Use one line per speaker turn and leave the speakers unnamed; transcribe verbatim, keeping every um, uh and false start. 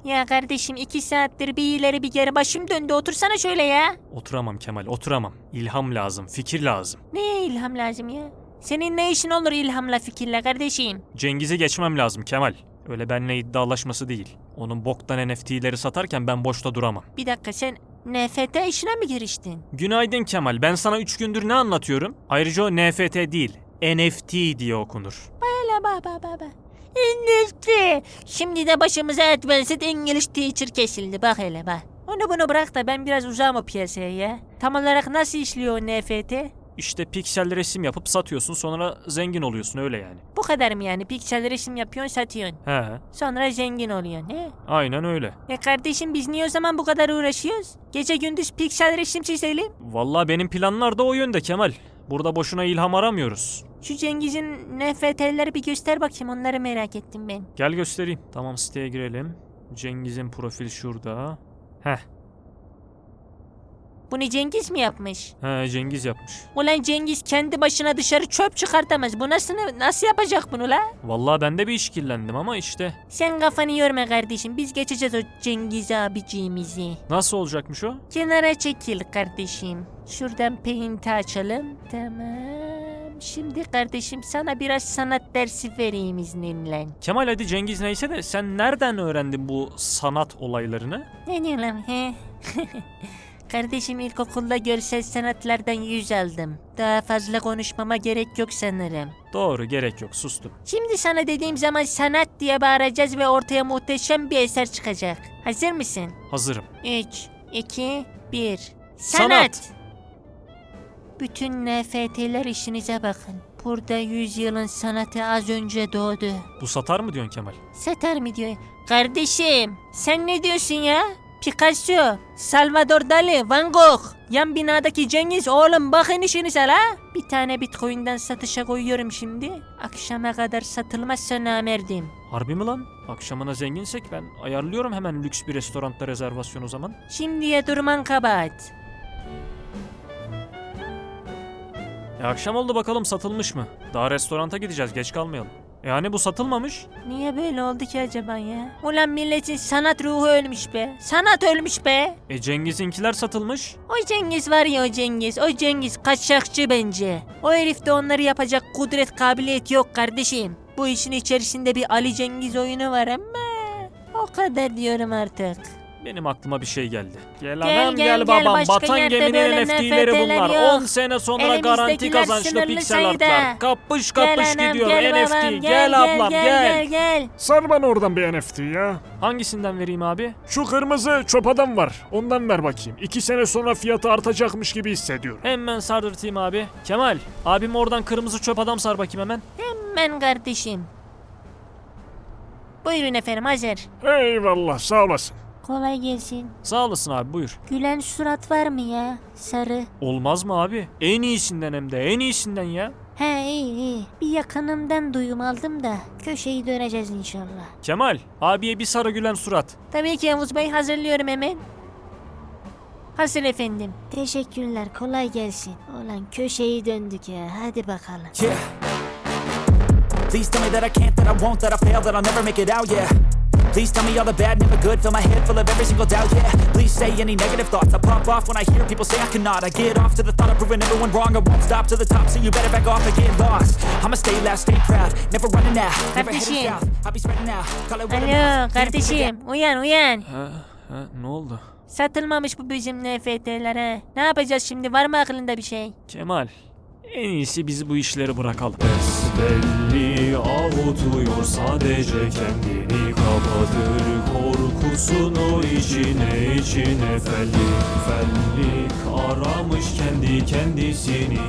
Ya kardeşim iki saattir bir ileri bir geri başım döndü. Otursana şöyle ya.
Oturamam Kemal, oturamam. İlham lazım, fikir lazım.
Neye ilham lazım ya? Senin ne işin olur ilhamla fikirle kardeşim?
Cengiz'i geçmem lazım Kemal. Öyle benimle iddialaşması değil. Onun boktan N F T'leri satarken ben boşta duramam.
Bir dakika sen N F T işine mi giriştin?
Günaydın Kemal, ben sana üç gündür ne anlatıyorum? Ayrıca o N F T değil, N F T diye okunur.
Hele baba baba. İngilizce. Şimdi de başımıza Advanced English Teacher kesildi bak hele bak. Onu bunu bırak da ben biraz uzağım o piyasaya ya. Tam olarak nasıl işliyor o N F T?
İşte piksel resim yapıp satıyorsun, sonra zengin oluyorsun, öyle yani.
Bu kadar mı yani? Piksel resim yapıyorsun satıyorsun.
He,
Sonra zengin oluyorsun he?
aynen öyle.
E kardeşim biz niye o zaman bu kadar uğraşıyoruz? Gece gündüz piksel resim çizelim.
Vallahi benim planlar da o yönde Kemal. Burada boşuna ilham aramıyoruz.
Şu Cengiz'in N F T'leri bir göster bakayım, onları merak ettim ben.
Gel göstereyim. Tamam, siteye girelim. Cengiz'in profil şurada. Heh.
Bunu Cengiz mi yapmış?
He, Cengiz yapmış.
Ulan Cengiz kendi başına dışarı çöp çıkartamaz. Bu nasıl, nasıl yapacak bunu la?
Vallahi ben de bir işkillendim ama işte.
Sen kafanı yorma kardeşim. Biz geçeceğiz o Cengiz abiciğimizi.
Nasıl olacakmış o?
Kenara çekil kardeşim. Şuradan paint'i açalım. Tamam. Şimdi kardeşim sana biraz sanat dersi vereyim izninle.
Kemal hadi Cengiz neyse de sen nereden öğrendin bu sanat olaylarını?
Ne diyor lan he? Kardeşim ilkokulda görsel sanatlardan yüz aldım. Daha fazla konuşmama gerek yok sanırım.
Doğru, gerek yok, sustum.
Şimdi sana dediğim zaman sanat diye bağıracağız ve ortaya muhteşem bir eser çıkacak. Hazır mısın?
Hazırım.
üç, iki, bir.
Sanat.
Sanat! Bütün N F T'ler işinize bakın. Burada yüzyılın sanatı az önce doğdu.
Bu satar mı diyorsun Kemal?
Satar mı diyor? Kardeşim sen ne diyorsun ya? Picasso, Salvador Dali, Van Gogh. Yan binadaki Cengiz, oğlum bakın işinize la. Bir tane bitcoin'den satışa koyuyorum şimdi. Akşama kadar satılmazsa namerdim.
Harbi mi lan? Akşamına zenginsek ben ayarlıyorum hemen lüks bir restoranda rezervasyon o zaman.
Şimdiye durman kabahat.
E akşam oldu, bakalım satılmış mı? Daha restoranta gideceğiz, geç kalmayalım. Yani bu satılmamış.
Niye böyle oldu ki acaba ya? Ulan milletin sanat ruhu ölmüş be. Sanat ölmüş be.
E Cengiz'inkiler satılmış.
O Cengiz var ya o Cengiz. O Cengiz kaçakçı bence. O herifte onları yapacak kudret kabiliyet yok kardeşim. Bu işin içerisinde bir Ali Cengiz oyunu var ama o kadar diyorum artık.
Benim aklıma bir şey geldi. Gel,
Gel,
anam
gel,
gel,
gel.
babam.
Başka
Batan
yerde
geminin
böyle
N F T'leri
N F T'ler
bunlar.
yok.
on sene sonra garanti
Elimizdekiler
kazançlı
sınırlı
piksel
sayıda.
artlar. Kapış
Gel
kapış
anam,
gidiyor
gel
N F T.
babam,
Gel, ablam gel.
Gel gel.
Sar bana oradan bir N F T ya.
Hangisinden vereyim abi?
Şu kırmızı çöp adam var. Ondan ver bakayım. İki sene sonra fiyatı artacakmış gibi hissediyorum.
Hemen sardırtayım abi. Kemal, abim oradan kırmızı çöp adam sar bakayım hemen.
Hemen kardeşim. Buyurun efendim hazır.
Eyvallah, sağ olasın.
Kolay gelsin.
Sağ olasın abi, buyur.
Gülen surat var mı ya? Sarı.
Olmaz mı abi? En iyisinden, hem de en iyisinden ya.
He iyi iyi. Bir yakınımdan duyum aldım da köşeyi döneceğiz inşallah.
Kemal, abiye bir sarı gülen surat.
Tabii ki Yavuz Bey, hazırlıyorum hemen. Hazır efendim. Teşekkürler, kolay gelsin. Ulan köşeyi döndük ya, hadi bakalım.
Yeah. Please tell me that I can't, that I won't, that I fail, that I'll never make it out, yeah. Please tell me all the bad, never good, fill my head full of every single doubt, yeah. Please say any negative thoughts, I pop off when I hear people say I cannot. I get off to the thought of proving everyone wrong, I won't stop to the top, so you better back off and get lost. I'ma stay loud, stay proud, never running out, never heading
Kardeşim.
south. I'll be spreading out, call it what it
Alo
is.
kardeşim, uyan uyan.
Ha, ha, ne oldu?
Satılmamış bu bizim N F T'ler ha. Ne yapacağız şimdi, var mı aklında bir şey?
Kemal, en iyisi biz bu işleri bırakalım. Besbelli avutuyor, sadece kendini kapatır. Korkusunu içine içine fellik fellik aramış kendi kendisini.